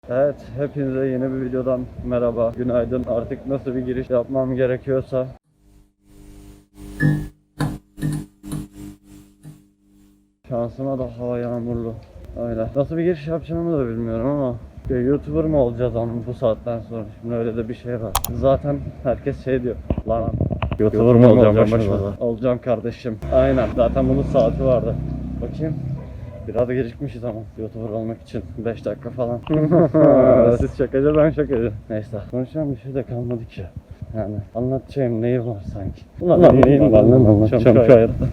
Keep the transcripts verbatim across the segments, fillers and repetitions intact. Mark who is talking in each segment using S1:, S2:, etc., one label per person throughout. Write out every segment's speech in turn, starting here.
S1: Evet, hepinize yeni bir videodan merhaba, günaydın. Artık nasıl bir giriş yapmam gerekiyorsa. Şansıma da hava yağmurlu. Öyle. Nasıl bir giriş yapacağımı da bilmiyorum ama ya, YouTuber mı olacağız ama bu saatten sonra? Şimdi öyle de bir şey var. Zaten herkes şey diyor. Lan YouTuber mı olacağım başımıza? Olacağım kardeşim. Aynen. Zaten bunun saati vardı. Bakayım. Biraz da gecikmişiz ama YouTuber olmak için beş dakika falan. Siz şakacı, ben şakacı. Neyse, konuşacağım bir şey de kalmadı ki. Yani anlatacağım neyim var sanki. Ulan neyim var lan anlatacağım şu hayatta.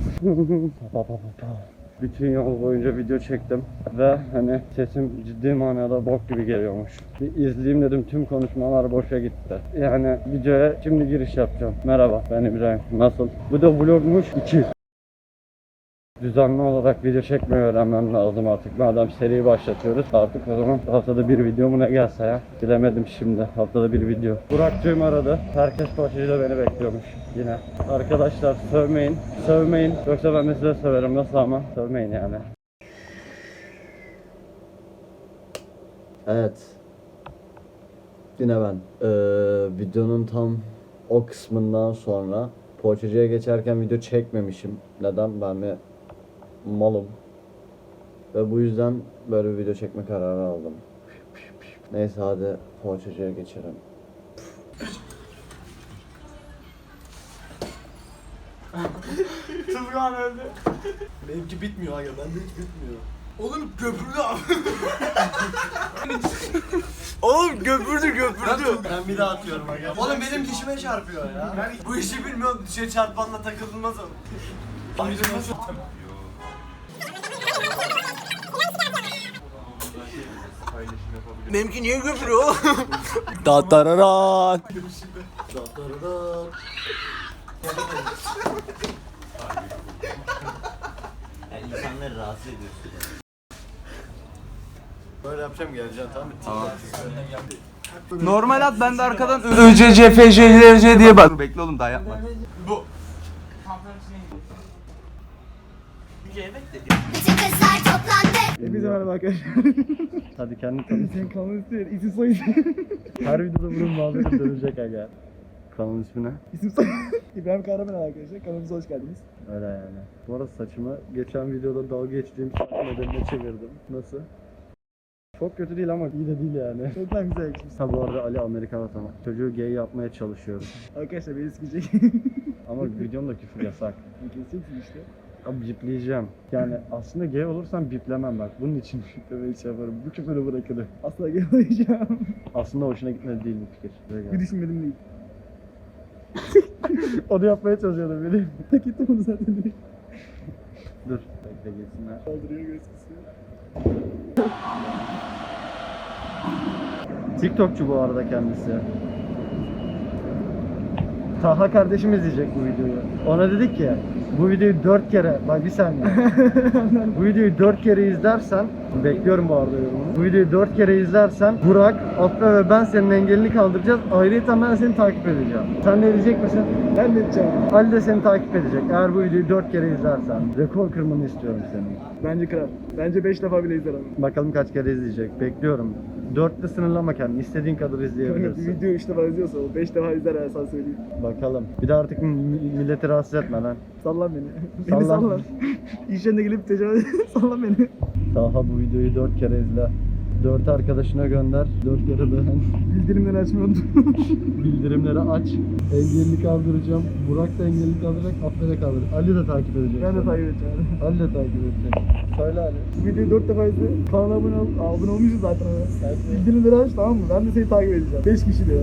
S1: Bütün yol boyunca video çektim ve hani sesim ciddi manada bok gibi geliyormuş. Bir izleyeyim dedim, tüm konuşmalar boşa gitti. Yani videoya şimdi giriş yapacağım. Merhaba, ben İbrahim. Nasıl? Bu da vlogmuş iki. Düzenli olarak video çekmeyi öğrenmem lazım artık. Madem seriyi başlatıyoruz artık, o zaman haftada bir video mu ne gelse ya. Bilemedim şimdi, haftada bir video. Burak'cığım aradı. Herkes poşetiyle beni bekliyormuş yine. Arkadaşlar sövmeyin, sövmeyin. Yoksa ben de size söverim, nasıl ama? Sövmeyin yani.
S2: Evet. Yine ben. Ee, videonun tam o kısmından sonra poğaçacıya geçerken video çekmemişim. Neden? Ben mi malım. Ve bu yüzden böyle bir video çekme kararı aldım. Neyse hadi poğaçacıya geçelim.
S3: Tuzgan öldü. Benimki bitmiyor aga, bende hiç bitmiyor. Oğlum köpürdü abi. Oğlum köpürdü köpürdü. Ben bir daha atıyorum aga. Oğlum benim dişime çarpıyor ya. Ben bu işi bilmiyorum, dişe çarpanla takılmaz o. Ayrılmaz o. Benimki niye köpürüyor oğlum? Datararan. Datararan.
S2: Yani insanları rahatsız ediyorsun.
S3: Böyle yapacağım, geleceğim tamam mı? Tamam.
S4: Normal at, ben de arkadan Ö C C F J L C diye bak. Bekle oğlum, daha yapma.
S3: Bu.
S5: Bütün kızlar toplandı.
S1: Hepinize merhaba arkadaşlar. Hadi kendini tanıt.
S6: Sen kanalın ismi ne? İsim soy isim.
S1: Her videoda bunun muhabbeti dönecek aga. Kanalın ismi ne?
S6: İsim soy İbrahim Kahraman arkadaşlar. Kanalımıza hoş geldiniz.
S1: Öyle yani. Bu arada saçımı geçen videoda dalga geçtiğim saç modeline çevirdim. Nasıl? Çok kötü değil ama iyi de değil yani.
S6: Çok daha güzel yakışmış.
S1: Ha bu arada Ali Amerikan vatanı. Çocuğu gay yapmaya çalışıyorum.
S6: Arkadaşlar beni sikecek.
S1: Ama videomda küfür yasak.
S6: Keseceksin işte.
S1: Abi bipleyeceğim. Yani aslında gay olursam biplemem bak. Bunun için biplemeyi şey yaparım. Bu küfürü bırakılır.
S6: Asla gelmeyeceğim.
S1: Aslında hoşuna gitmedi değil bu fikir. Buraya
S6: Bir
S1: gel.
S6: düşünmedim değil.
S1: Onu yapmaya çalışıyordum bileyim.
S6: Hak ettim onu zaten direkt.
S1: Dur. Bekle gelsinler.
S6: Kaldırıyor göz kısıyor.
S1: TikTokçu bu arada kendisi. Taha kardeşim izleyecek bu videoyu. Ona dedik ki bu videoyu dört kere, bak bir saniye. Bu videoyu dört kere izlersen, bekliyorum bu arada yorumunu. Bu videoyu dört kere izlersen Burak, Afra ve ben senin engelini kaldıracağız. Ayrıca ben seni takip edeceğim. Sen de edecek misin?
S6: Ben de edeceğim.
S1: Ali de seni takip edecek. Eğer bu videoyu dört kere izlersen. Rekor kırmanı istiyorum senin.
S6: Bence kral. Bence beş defa bile izler ama.
S1: Bakalım kaç kere izleyecek. Bekliyorum. dörtte sınırlama kendini. İstediğin kadar
S6: Bir
S1: izleyebilirsin.
S6: video üç defa izliyorsa o beş defa izler ben sana söyleyeyim.
S1: Bakalım. Bir de artık mi- milleti rahatsız etme lan.
S6: Sallan beni. Beni
S1: Sallan.
S6: sallan. İş yerine gelip tecavüz sallan beni.
S1: Taha bu videoyu dört kere izle. Dört arkadaşına gönder. Dört kere beğen.
S6: Bildirimleri açmayı unutma.
S1: Bildirimleri aç. Engelini kaldıracağım. Burak da engelini kaldıracak. Afra da kaldıracak. Ali de takip edecek.
S6: Ben de
S1: seni.
S6: takip edeceğim.
S1: Ali de takip edecek. Söyle Ali.
S6: Bu videoyu dört defa izle. Kanala abone ol. Abone olmuşuz zaten. Bildirimleri aç, tamam mı? Ben de seni takip edeceğim. beş kişi diyor.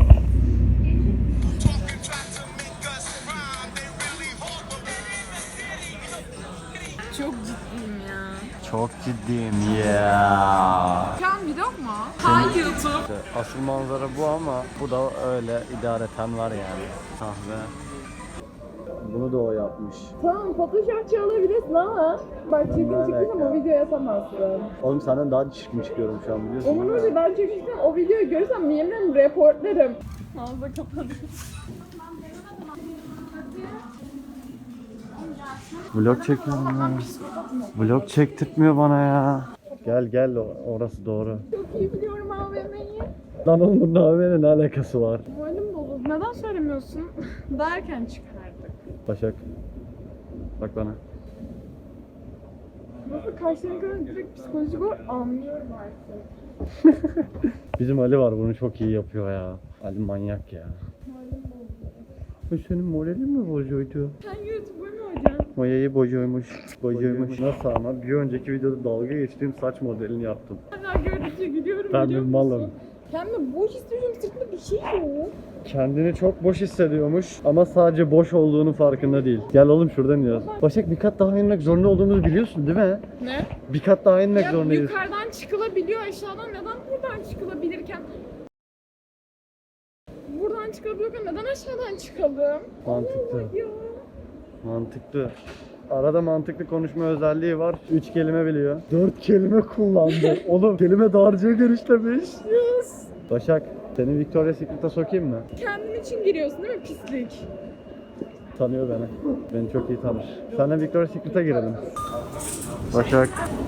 S7: Çok ciddiyim ya.
S1: Çok ciddiyim ya.
S7: Şu an vlog mu? Hangi YouTube?
S1: Asıl manzara bu ama bu da öyle idareten var yani. Sahne. Bunu da o yapmış.
S7: Tamam Photoshopçı olabilirsin ama bak çirkin
S1: Ne
S7: çıktıysam
S1: alaka?
S7: o videoyu atamazsın.
S1: Oğlum senden daha çirkin çıkıyorum şu an biliyorsun.
S7: Onun öyle ben çirkinsem o videoyu görürsem yemin reportlarım. Ağzı kapadı.
S1: Vlog çekiyorum ya. Vlog çektirtmiyor bana ya. Gel gel o- orası doğru.
S7: Çok iyi biliyorum A V M'yi.
S1: Lan oğlum bunun A V M'yle ne alakası var?
S7: Moralim bozuldu. Neden söylemiyorsun? Daha erken çıkardık.
S1: Başak. Bak bana.
S7: Nasıl karşıya göre direkt psikolojik olarak anlıyorum artık.
S1: Bizim Ali var bunu çok iyi yapıyor ya. Ali manyak ya.
S7: Moralim bozuldu.
S1: Bu senin moralin mi bozuyordu?
S7: Sen YouTuber mu hocam?
S1: Mayayı bozuyormuş. Bozuyormuş. Nasıl ama? Bir önceki videoda dalga geçtiğim saç modelini yaptım.
S7: Hala gördükçe gülüyorum
S1: Ben
S7: biliyor
S1: bir
S7: musun?
S1: malım.
S7: Kendimi boş hissediyorum. Sırtımda bir şey yok.
S1: Kendini çok boş hissediyormuş ama sadece boş olduğunu farkında değil. Gel oğlum şuradan iniyoruz. Başak bir kat daha inmek zorunda olduğumuzu biliyorsun değil mi?
S7: Ne?
S1: Bir kat daha inmek
S7: Ya
S1: zorundayız.
S7: yukarıdan çıkılabiliyor aşağıdan. Neden buradan çıkılabilirken? Buradan çıkabiliyorken neden aşağıdan çıkalım?
S1: Mantıklı.
S7: Allah ya.
S1: Mantıklı. Arada mantıklı konuşma özelliği var. Üç kelime biliyor. Dört kelime kullandı. Oğlum kelime dağarcığı genişlemiş.
S7: Yes.
S1: Başak, seni Victoria's Secret'a sokayım mı?
S7: Kendin için giriyorsun değil mi pislik?
S1: Tanıyor beni. Beni çok iyi tanır. Seninle Victoria's Secret'a girelim. Başak.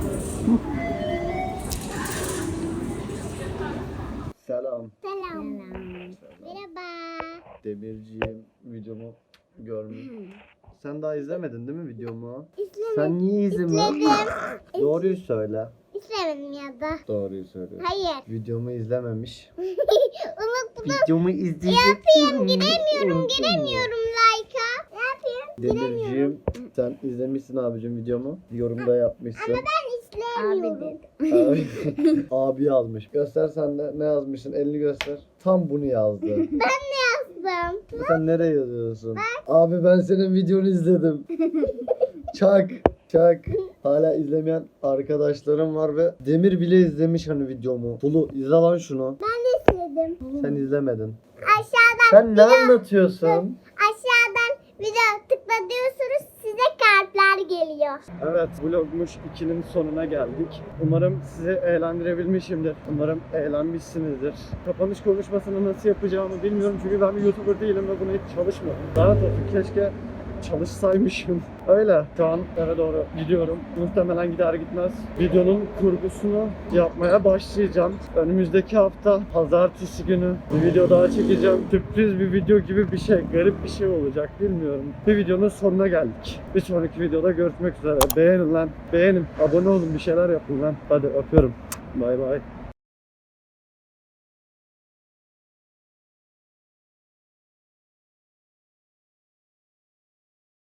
S1: Selam.
S5: Selam. Merhaba.
S1: Demirciğim videomu görmüş. Sen daha izlemedin değil mi videomu?
S5: İzlemedim.
S1: Sen niye izlemedin?
S5: İzledim.
S1: Doğruyu söyle.
S5: İzlemedim ya da.
S1: Doğruyu söyle.
S5: Hayır.
S1: Videomu izlememiş.
S5: Unuttum.
S1: Videomu izleyecek.
S5: Yapayım giremiyorum giremiyorum like'a. Ne yapayım?
S1: Demirciğim sen izlemişsin abicim videomu. Yorumda yapmışsın.
S5: Ben izleyemiyorum.
S1: Abi, abi yazmış. Göster sen de ne yazmışsın elini göster. Tam bunu yazdı.
S5: Yazdım.
S1: Sen nereye yazıyorsun? Abi ben senin videonu izledim. Çak. Çak. Hala izlemeyen arkadaşlarım var ve Demir bile izlemiş hani videomu. Bulu izle lan şunu.
S5: İzledim.
S1: Sen izlemedin.
S5: Aşağıdan
S1: Sen ne anlatıyorsun?
S5: aşağıdan video tıklatıyorsunuz size kartlar geliyor.
S1: Evet, vlogmuş ikinin sonuna geldik. Umarım sizi eğlendirebilmişimdir. Umarım eğlenmişsinizdir. Kapanış konuşmasını nasıl yapacağımı bilmiyorum çünkü ben bir YouTuber değilim ve buna hiç çalışmadım. Lanet olsun, keşke çalışsaymışım. Öyle. Şu an eve doğru gidiyorum. Muhtemelen gider gitmez videonun kurgusunu yapmaya başlayacağım. Önümüzdeki hafta pazartesi günü bir video daha çekeceğim. Sürpriz bir video gibi bir şey, garip bir şey olacak bilmiyorum. Bir videonun sonuna geldik. Bir sonraki videoda görüşmek üzere. Beğenin lan. Beğenin. Abone olun, bir şeyler yapın lan. Hadi öpüyorum. Bay bay.